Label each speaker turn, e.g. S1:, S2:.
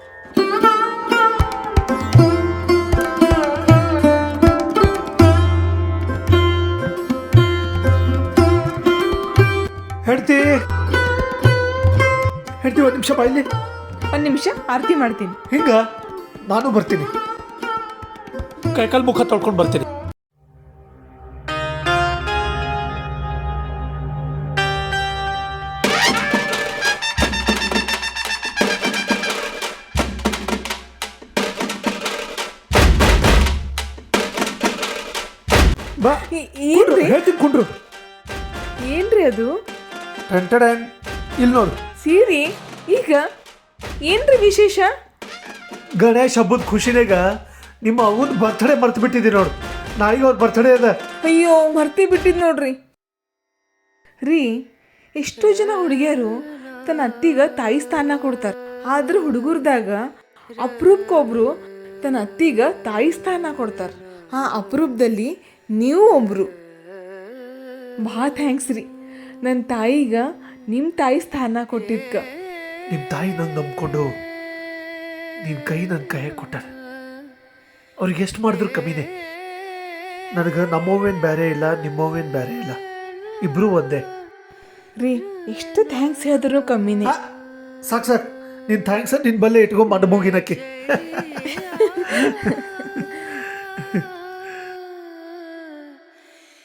S1: ಹೆಂಡ್ತಿ ಹೆಂಡ್ತಿ ಒಂದು ನಿಮಿಷ ಬಾಯಿಲಿ.
S2: ಒಂದು ನಿಮಿಷ ಆರತಿ ಮಾಡ್ತೀನಿ.
S1: ಹಿಂಗ ನಾನು ಬರ್ತೀನಿ, ಕೈಕಾಲು ಮುಖ ತೊಳ್ಕೊಂಡು ಬರ್ತೀನಿ. ಬಾ
S2: ಏನ್ರಿ
S1: ಹೇಳ್ತೀನಿ ಕುಂಡ್ರು.
S2: ಏನ್ರಿ ಅದು
S1: ಟೆಂಟಡನ್ ಇಲ್ಲಿ ನೋಡು.
S2: ಸೀರಿ ಈಗ ಏನ್ರಿ ವಿಶೇಷ?
S1: ಗಣೇಶ್ ಹಬ್ಬದ ಖುಷಿನಾಗ ನಿಮ್ಮ ಅವನ ಬರ್ತಡೇ ಮರ್ತು ಬಿಟ್ಟಿದ್ದೀನಿ ನೋಡು. ನಾಳೆಗೆ ಅವ್ರ ಬರ್ತಡೇ ಅದ.
S2: ಅಯ್ಯೋ ಮರ್ತಿ ಬಿಟ್ಟಿದ್ ನೋಡ್ರಿ. ರೀ ಎಷ್ಟೋ ಜನ ಹುಡುಗಿಯರು ತನ್ನ ಅತ್ತಿಗ ತಾಯಿ ಸ್ಥಾನ ಕೊಡ್ತಾರೆ, ಆದ್ರೆ ಹುಡುಗರ್ದಾಗ ಅಪರೂಪಕ್ಕೊಬ್ರು ತನ್ನ ಅತ್ತಿಗ ತಾಯಿ ಸ್ಥಾನ ಕೊಡ್ತಾರೆ. ಆ ಅಪರೂಪದಲ್ಲಿ ನೀವು ಒಬ್ರು. ಭಾಳ ಥ್ಯಾಂಕ್ಸ್ ರೀ ನನ್ನ ತಾಯಿಗ ನಿಮ್ಮ ತಾಯಿ ಸ್ಥಾನ ಕೊಟ್ಟಿದ್ಕ.
S1: ನಿಮ್ಮ ತಾಯಿ ನಂಗೆ ನಂಬ್ಕೊಂಡು ನಿನ್ನ ಕೈ ನನ್ನ ಕೈಯಾಗ ಕೊಟ್ಟಾರ. ಅವ್ರಿಗೆ ಎಷ್ಟು ಮಾಡಿದ್ರು ಕಮ್ಮಿನೇ. ನನಗೆ ನಮ್ಮವೇನು ಬೇರೆ ಇಲ್ಲ, ನಿಮ್ಮವೇನು ಬೇರೆ ಇಲ್ಲ, ಇಬ್ಬರೂ ಒಂದೇ.
S2: ರೀ ಎಷ್ಟು ಥ್ಯಾಂಕ್ಸ್ ಹೇಳಿದ್ರು ಕಮ್ಮಿನೇ.
S1: ಸಾಕು ನಿನ್ನ ಥ್ಯಾಂಕ್ಸ್ ನಿನ್ನ ಬಲ್ಲೆ ಇಟ್ಕೊಂಡು ಮಡ ಮುಗಿನಕ್ಕೆ.